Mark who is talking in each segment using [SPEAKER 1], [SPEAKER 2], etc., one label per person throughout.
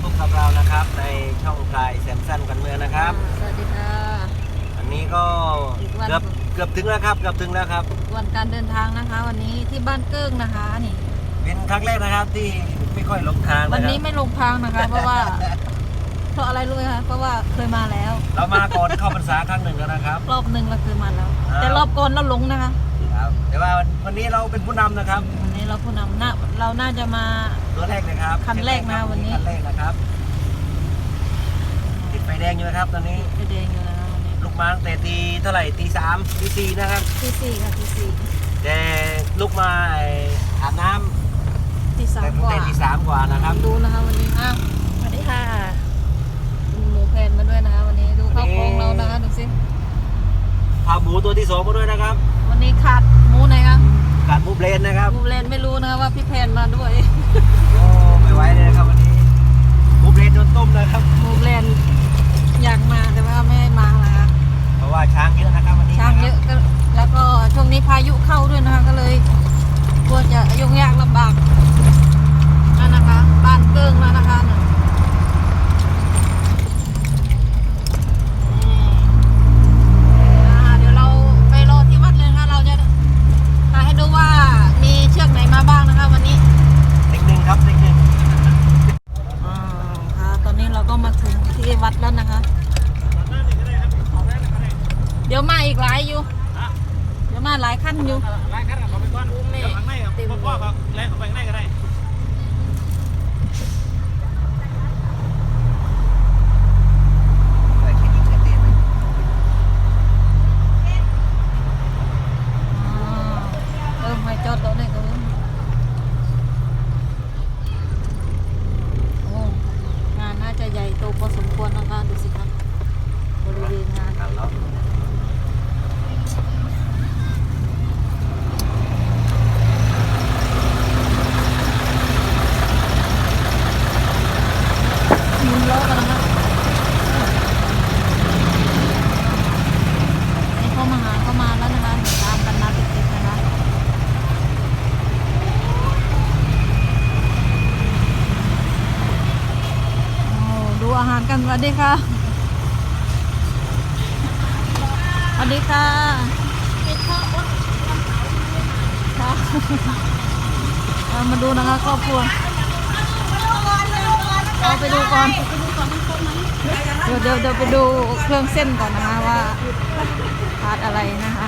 [SPEAKER 1] พบกับเรานะครับในช่องพลายแซมสันกันเมืองนะครับ
[SPEAKER 2] สวัสดีค่ะ
[SPEAKER 1] อันนี้ก็เกือบถึงแล้วครับเกือบถึงแล้วครับ
[SPEAKER 2] วันการเดินทางนะคะ วันนี้ที่บ้านเกิ้งนะคะนี่
[SPEAKER 1] เป็นครั้งแรกนะครับที่ไม่ค่อยหลงทาง
[SPEAKER 2] วันนี้ไม่ลงทางนะคะ เพราะว่าเพราะอะไรรู้ไหมคะเพราะว่าเคยมาแล้ว
[SPEAKER 1] เรามาก่อนเข้าพรรษาครั้งหนึ่งแล้วนะครับ
[SPEAKER 2] รอบหนึ่งเราเคยมาแล้วแต่รอบก่อนเราหลงนะคะ
[SPEAKER 1] แต่ว่าวันนี้เราเป็นผู้นำนะครับ
[SPEAKER 2] วันนี้เราผู้นำเราน่าจะมา
[SPEAKER 1] ตัวแรกนะครับ
[SPEAKER 2] คันแรกนะวันนี้
[SPEAKER 1] คันแรกนะครับติดไฟแดงอยู่นะครับตอนนี้
[SPEAKER 2] ไฟแดงอยู่นะคะวันนี้
[SPEAKER 1] ลูกมาตั้งแต่ตีเท่าไหร่ตี 3ตี 4นะครับ
[SPEAKER 2] ตี 4ค่ะตี 4
[SPEAKER 1] แต่ลูกมาอาบน้
[SPEAKER 2] ำตี 3กว่า
[SPEAKER 1] ตี 3กว่านะครับ
[SPEAKER 2] ดูนะคะวันนี้สวัสดีค่ะหมูแพนมาด้วยนะคะวันนี้ดูข้าวโพงเรานะคะดูสิ
[SPEAKER 1] พาหมูตัวที่2มาด้วยนะครับ
[SPEAKER 2] วันนี้ขาดหมูไหนคะ
[SPEAKER 1] ขาดหมูเบรนนะครับ
[SPEAKER 2] หมูเบรนไม่รู้นะคะว่าพี่แพนมาด้วย
[SPEAKER 1] โอ้ไม่ไหวเลยนะครับวันนี้หมูเบรนโดนต้มนะครับ
[SPEAKER 2] หมูเบรนอยากมาแต่ว่าไม่มานะคะ
[SPEAKER 1] เพราะว่าช้างเยอะนะครับวันนี้
[SPEAKER 2] ช้างเยอะแล้วก็ช่วงนี้พายุเข้าด้วยนะคะก็เลยกลัวจะยุ่งยากลำบากนั่นนะคะบ้านเกิ้งแล้วนะคะเดี๋ยวเราไปรอที่วัดเลยนะคะเราจะมาให้ดูว่ามีเชือกไหนมาบ้างนะคะวันนี้
[SPEAKER 1] เด็กหนึ่งครับเด็กหนึ่ง
[SPEAKER 2] ค่ะตอนนี้เราก็มาถึงที่วัดแล้วนะคะเดี๋ยวมาอีกหลายอยู่เดี๋ยวมาหลายขั้นอยู่
[SPEAKER 1] หลายขั้นเราไปก่อนเดี๋ยวข้างในครับพ่อครับแรงเข้าไปข้างในก็ได้
[SPEAKER 2] ไม่จอดตรงนี้ก็โอ้งานน่าจะใหญ่โตพอสมควรนะคะดูสิครับบริเวณงานหมุนล้อกันนะคะนี่เข้ามาแล้วนะคะตามกันมาติดๆนะคะดูอาหารกันสวัสดีค่ะสวัสดีค่ะมาดูนะคะครอบครัวเราไปดูก่อนเดี๋ยวไปดูเครื่องเส้นก่อนนะคะว่าขาดอะไรนะคะ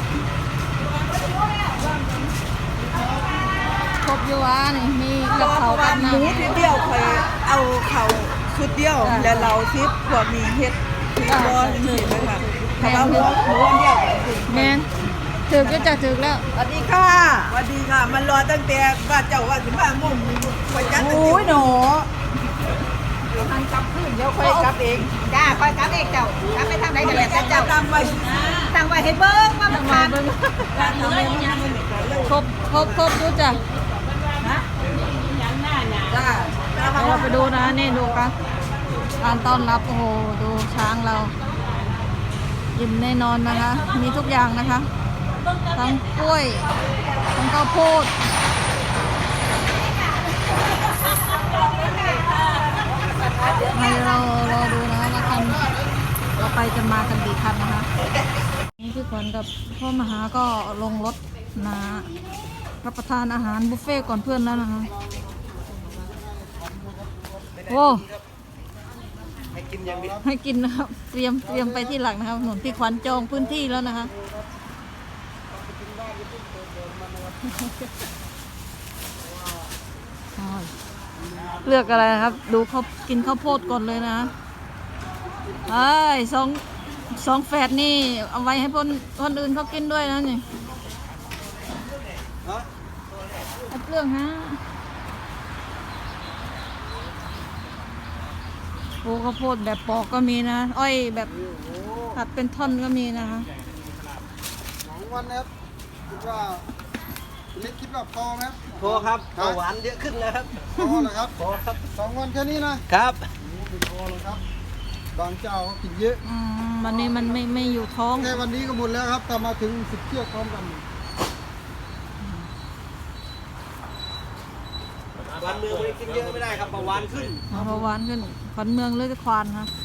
[SPEAKER 2] ครบอยู่วะนี่มีกับเขากับน้ำ
[SPEAKER 3] หมูทีเดียวเคยเอาเขาชุดเดียวแล้วเราซิปพวกมีเฮ็ดคือบอลเห็นไหมคะถ้าเราหมูเดียว
[SPEAKER 2] แม่ถึกก็จะถึกแล้ว
[SPEAKER 3] สวัสดีค่ะสวัสดีค่ะมันรอตั้งแต่ว่าเจ้าว่าถึงว่ามุ่งไปจัดโอ้ยหนูกลับขึ้นเดี๋ยวค่อยกลับเอง
[SPEAKER 4] จ้าคอยกลับเองเจ้ากลับไปทางไหนกันแล้วเจ้า
[SPEAKER 3] ตั้งไว้
[SPEAKER 4] ให้เบิ้งว่ามันผ่าน
[SPEAKER 2] ครบดูจ้ะ
[SPEAKER 3] จ้า
[SPEAKER 2] เราไปดูนะนี่ดูกันการต้อนรับโอ้โหดูช้างเรายิ้มแน่นอนนะคะมีทุกอย่างนะคะทั้งกล้วยทั้งข้าวโพดให้เรารอดูนะคะว่าคันเราไปจะมากันกี่คันนะคะนี่พี่ขวัญกับพ่อมหาก็ลงรถมารับประทานอาหารบุฟเฟ่ก่อนเพื่อนแล้วนะคะโอ้ให้กินนะครับเตรียมไปที่หลังนะครับหนุนพี่ขวัญจองพื้นที่แล้วนะคะเลือกอะไรครับดูเขากินข้าวโพดก่อนเลยนะสองแฝดนี่เอาไว้ให้คนอื่นเขากินด้วยนะนี่เรื่องฮะโอ้ข้าวโพดแบบปอกก็มีนะอ้อยแบบตัดเป็นท่อนก็มีนะคะ
[SPEAKER 5] 2 วันนะครับคิดว่าเล็กคิดว่าพอไหมครับ
[SPEAKER 1] พอครับหวานเยอะขึ้นแล้วครับ
[SPEAKER 5] พอเหรอครับ
[SPEAKER 1] พอครับ
[SPEAKER 5] 2 วันแค่นี้นะครับไม่พอหรอกครับบางเจ้าเขากินเยอะ
[SPEAKER 2] วันนี้มันไม่อยู่ท้อง
[SPEAKER 5] แค่วันนี้ก็หมดแล้วครับแต่มาถึง10 เชือกพร้อมกัน
[SPEAKER 1] วันเมืองไม่ได้กินเยอะไม่ได้ครับเบาหวานขึ้น
[SPEAKER 2] เบาหวานขึ้นขวัญเมืองเลยควานฮะ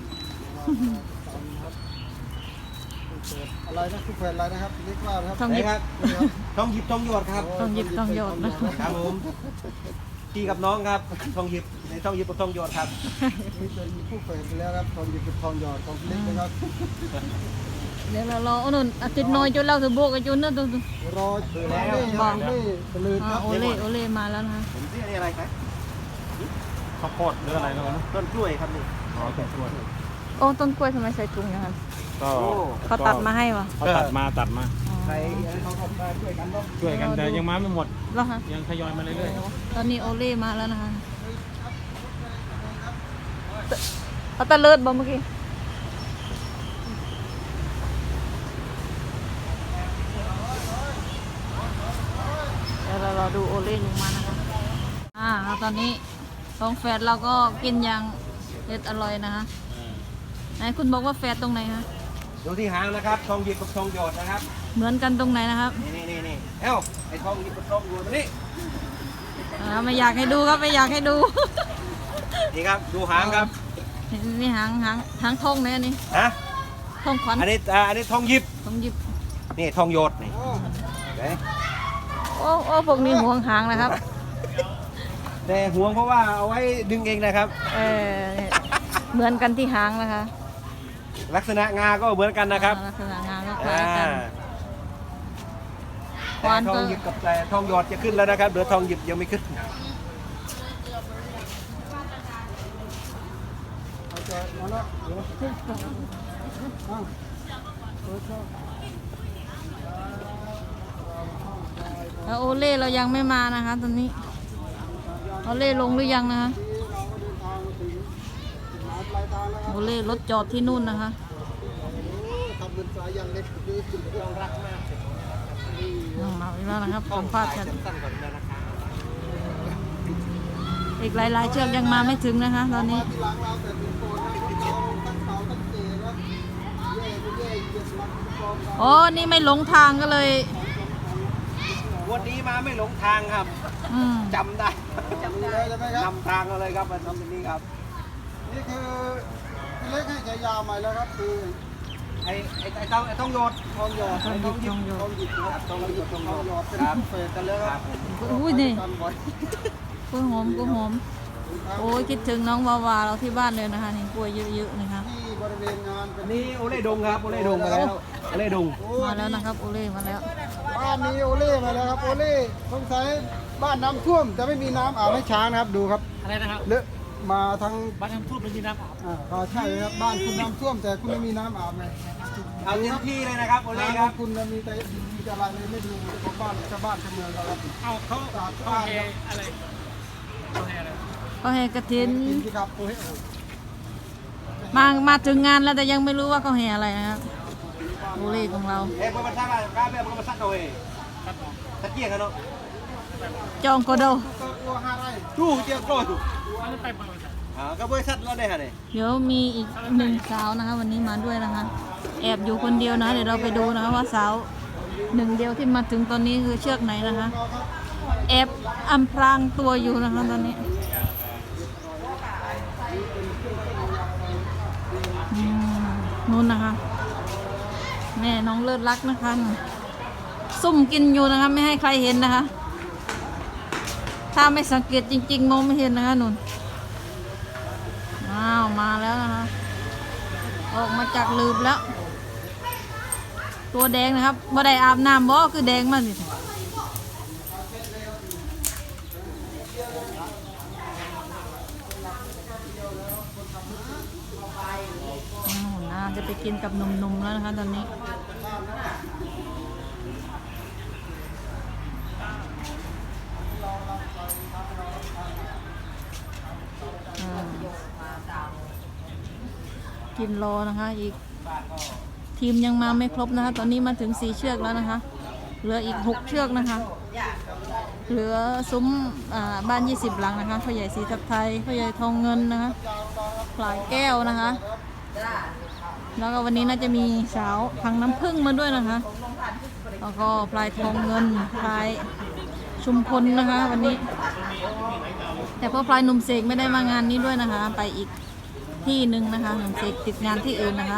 [SPEAKER 5] อะไรนะคู่แฝดอะไรนะครับเล็กว่านะครับ
[SPEAKER 2] ต้องห
[SPEAKER 1] ไหน
[SPEAKER 2] ยิบ
[SPEAKER 1] ครับต้องหยิบต้องหยดครับ
[SPEAKER 2] ต้องหยิบต้องหยดนะครับ
[SPEAKER 1] ผมพี่กับน้องครับต้องหยิบในต้องหยิบกับต้องหยดครับ
[SPEAKER 5] นี่เป็นคู่แฝดไปแล้วครับทองหยิบกับทองหยอดของเล็กนะครับ
[SPEAKER 2] เดี๋ยวเรารอเอาหนุนอาทิตย์น้อยจนเราถือโบกกันจนนั่นตัว
[SPEAKER 5] รอแล้วนี่ตะลืนครับ
[SPEAKER 2] โอเล่มาแล้วนะ
[SPEAKER 1] ผมซื้อนี่อะไรครับ
[SPEAKER 6] ข้าวโพดหรืออะไรนะ
[SPEAKER 1] ต้นกล้วยครับนี่
[SPEAKER 6] อ๋อต้นกล้วย
[SPEAKER 2] โอ้ต้นกล้วยทำไมใส่ถุงอย่างนั้น
[SPEAKER 6] ก็
[SPEAKER 2] เขาตัดมาให้วะ
[SPEAKER 6] เขาตัดมา
[SPEAKER 1] ใครเขาทำได้ช่วยกันเนาะ
[SPEAKER 6] ช่วยกันแต่ยังมาไม่หมด
[SPEAKER 2] แล้วฮะ
[SPEAKER 6] ยังทยอยมาเรื่อย
[SPEAKER 2] ตอนนี้โอเล่มาแล้วนะคะเอาตะเลิดบ่เมื่อกี้เดี๋ยวเรารอดูโอเล่ลงมานะคะตอนนี้ท้องแฟดเราก็กินอย่างเด็ดอร่อยนะคะไหนคุณบอกว่าแฟดตรงไหนคะ
[SPEAKER 1] ดูที่หางนะครับทองหยิบกับทองหยดนะครับ
[SPEAKER 2] เหมือนกันตรงไหนนะครับ
[SPEAKER 1] นี่เอ้าไอ้ทองหยิบกับทองหยดนี่
[SPEAKER 2] ไม่อยากให้ดูครับไม่อยากให้ดู
[SPEAKER 1] นี่ครับดูหางครับ
[SPEAKER 2] นี่หางทองเนี่ยนี่
[SPEAKER 1] ฮะ
[SPEAKER 2] ทองขวัญ
[SPEAKER 1] อันนี้ทองหยิบ
[SPEAKER 2] ทองหยิบ
[SPEAKER 1] นี่ทองหยดนี่เห็นไหม
[SPEAKER 2] โอ้พวกนี้ห่วงหางนะครับ
[SPEAKER 1] แต่ห่วงเพราะว่าเอาไว้ดึงเองนะครับ
[SPEAKER 2] เหมือนกันที่หางนะคะ
[SPEAKER 1] ลักษณะงาก็เหมือนกันนะครับ
[SPEAKER 2] ลักษณะงานก็คล้ายกัน
[SPEAKER 1] แต่ทองหยิบกับแต่ทองหยอดจะขึ้นแล้วนะครับเดี๋ยวทองหยิบยังไม่ขึ้น
[SPEAKER 5] เอาใจมาแล้วเดี๋ยว
[SPEAKER 2] แล้วโอเล่เรายังไม่มานะคะตอนนี้โอเล่ลงหรือยังนะคะโอเล่รถจอดที่นู่นนะคะ
[SPEAKER 5] ทำเป็นสายยังเล็กคือเรารักมาก
[SPEAKER 2] มาอีกแล้วนะครับสัมภาษณ์กัน
[SPEAKER 1] สั้นๆก่อนนะครับ
[SPEAKER 2] อีกหลายๆเชือกยังมาไม่ถึงนะคะ ตอนนี้
[SPEAKER 5] ที่หลังเราแต่เป็นโคนนะเราตั้งเสาตั้งเจนะเย่ไม่เย่เยี่ยมมันเป็นกอง
[SPEAKER 2] โอ้นี่ไม่หลงทางก็เลย
[SPEAKER 1] วันนี้มาไม่หลงทางครับ จำได้
[SPEAKER 5] ดูเลยใช่ไหมครับ
[SPEAKER 1] นำทางเราเลยครับมาทำตรงนี้ครับ
[SPEAKER 5] นี่คือพี่เล็กให้ฉายาใหม่แล้วครับคือ
[SPEAKER 1] ไอ้ต้องโยด
[SPEAKER 5] ทองหยอด
[SPEAKER 2] ทองหยิบ
[SPEAKER 5] ทองหยิบครับ
[SPEAKER 1] ต้องโยดต้องโยด
[SPEAKER 5] หยอดเป็น
[SPEAKER 1] ครับ
[SPEAKER 5] เฟสกันเลยครับ
[SPEAKER 2] อุ้ยนี่
[SPEAKER 5] กันบ่อย
[SPEAKER 2] กล้วยหอมโอ้ยคิดถึงน้องวาวาเราที่บ้านเลยนะคะนี่กล้วยเยอะๆนะคะ
[SPEAKER 5] ที่บริเวณงานเป็น
[SPEAKER 1] อันนี้โอเล่ดงครับโอเล่ดงมาแล้วโอเล่ดง
[SPEAKER 2] มาแล้วนะครับโอเล่มาแล้ว
[SPEAKER 5] บ้านนี้โอเล่มาแล้วครับโอเล่สงสัยบ้านน้ำท่วมแต่ไม่มีน้ำอาบให้ช้างนะครับดูครับ
[SPEAKER 6] อะไรนะครับ
[SPEAKER 5] เลอะมาทั้ง
[SPEAKER 6] บ้านน้ำท่วมเป็นยีน้ำอาบ
[SPEAKER 5] ก็ใช่ครับบ้านคุณน้ำท่วมแต่คุณไม่มีน้ำอาบเลย
[SPEAKER 1] เอาเต็มที่เลยนะครับโอเล่ครับ
[SPEAKER 5] คุณมีแต่มีแต่อะไรเลยไม่ดูของบ้านชาวบ้านชาวเมืองเราครับ
[SPEAKER 6] เอาเขา
[SPEAKER 5] สะอาด
[SPEAKER 6] เขาเฮอะไรเขาเฮอะไร
[SPEAKER 2] ก็แห่กระถิน
[SPEAKER 5] กินที่ครับโอ้ย
[SPEAKER 2] มาถึงงานแล้วแต่ยังไม่รู้ว่าเขาแห่อะไรนะครับโอเล่ของเรา
[SPEAKER 1] เอ้ยมาซักอะไรกล้าแบบมาซักเอาเองตะเกียงกันเนาะ
[SPEAKER 2] จองโกโด
[SPEAKER 5] ตัวห้าไร่
[SPEAKER 1] ดูเจียงโกรธดู
[SPEAKER 6] อันนั้นไปบริษัท
[SPEAKER 1] ก็บริษัทเราได้ฮะเนี่ย
[SPEAKER 2] เดี๋ยวมีอีกหนึ่งสาวนะคะ วันนี้มาด้วยนะคะ แอบอยู่คนเดียวนะเดี๋ยวเราไปดูนะคะว่าสาวหนึ่งเดียวที่มาถึงตอนนี้คือเชือกไหนนะคะแอบอำพรางตัวอยู่นะคะตอนนี้นู่นนะคะ แม่น้องเลิศรักนะคะ ซุ่มกินอยู่นะคะไม่ให้ใครเห็นนะคะ ถ้าไม่สังเกตจริงๆมองไม่เห็นนะคะนุ่นอ้าวมาแล้วนะคะออกมาจากลืบแล้ว ตัวแดงนะครับบ่ได้อาบน้ำบ่คือแดงมากสิน่าจะไปกินกับนมๆแล้วนะคะตอนนี้กินรอนะคะอีกทีมยังมาไม่ครบนะคะ ตอนนี้มาถึง4เชือกแล้วนะคะ เหลืออีก6เชือกนะคะ เหลือซุ้มบ้าน20หลังนะคะพ่อใหญ่สีทับไทยพ่อใหญ่ทองเงินนะคะปลายแก้วนะคะ แล้วก็วันนี้น่าจะมีสาวพังน้ำผึ้งมาด้วยนะคะ แล้วก็ปลายทองเงินปลายชุมพลนะคะ วันนี้ แต่พ่อพลายหนุ่มเสกไม่ได้มางานนี้ด้วยนะคะ ไปอีกที่หนึ่งนะคะหนุ่มเสกติดงานที่อื่นนะคะ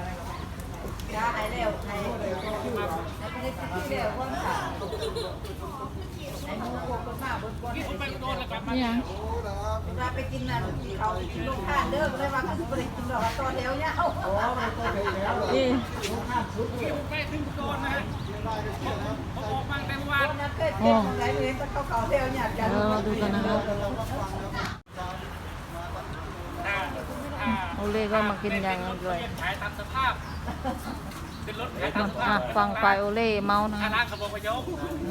[SPEAKER 2] นี่ยัง
[SPEAKER 4] เราไปกินน่ะเขากินลูกค้าเด้อเลยว่าเขาสิบ่ได้กินดอกต่อแถวเนี่ยเอา
[SPEAKER 2] นี่
[SPEAKER 6] ใกล้ถึงโดนนะฮะผมออกมาแต่วัน
[SPEAKER 4] เคยเจ็บตรงไหนเลยก็เขาแถวเนี่ยกัน
[SPEAKER 2] เราดูกันนะคะโอเล่ก็มากินอย่างอร่อย
[SPEAKER 6] ขายตามสภาพเป็นรถขายตามสภาพ
[SPEAKER 2] ฟังฝ่ายโอเล่เมานะ
[SPEAKER 6] คณะขบวนพยพ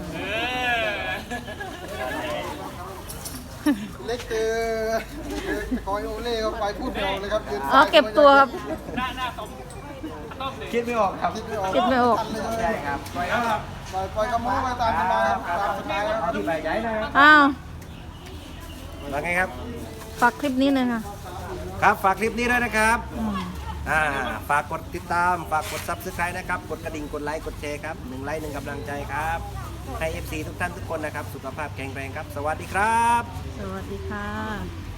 [SPEAKER 5] เล็กเจอคอยโอเล่เขาไปพูดเดียวเลยครับ
[SPEAKER 2] อ๋อเก็บตัวครับ
[SPEAKER 6] หน้าต้มเลย
[SPEAKER 1] คิดไม่ออกครับ
[SPEAKER 5] คิดไม่ออก
[SPEAKER 2] คิดไม่ออก
[SPEAKER 1] ใช่ครับปล่อยครับ
[SPEAKER 5] ปล่อยกระโม้ไปตามสบายครับตามสบายครับ
[SPEAKER 1] เอาที่ใบใหญ่นะครับ
[SPEAKER 2] อ้าว
[SPEAKER 1] ว่าไงครับ
[SPEAKER 2] ฝากคลิปนี้เลยค่ะ
[SPEAKER 1] ครับฝากคลิปนี้ด้วยนะครับ
[SPEAKER 2] อืม
[SPEAKER 1] ฝากกดติดตามฝากกด Subscribe นะครับกดกระดิ่งกดไลค์กดแชร์ครับ1 ไลค์ 1 กำลังใจครับให้ FC ทุกท่านทุกคนนะครับสุขภาพแข็งแรงครับ สวัสดีครับ
[SPEAKER 2] สวัสดีค่ะ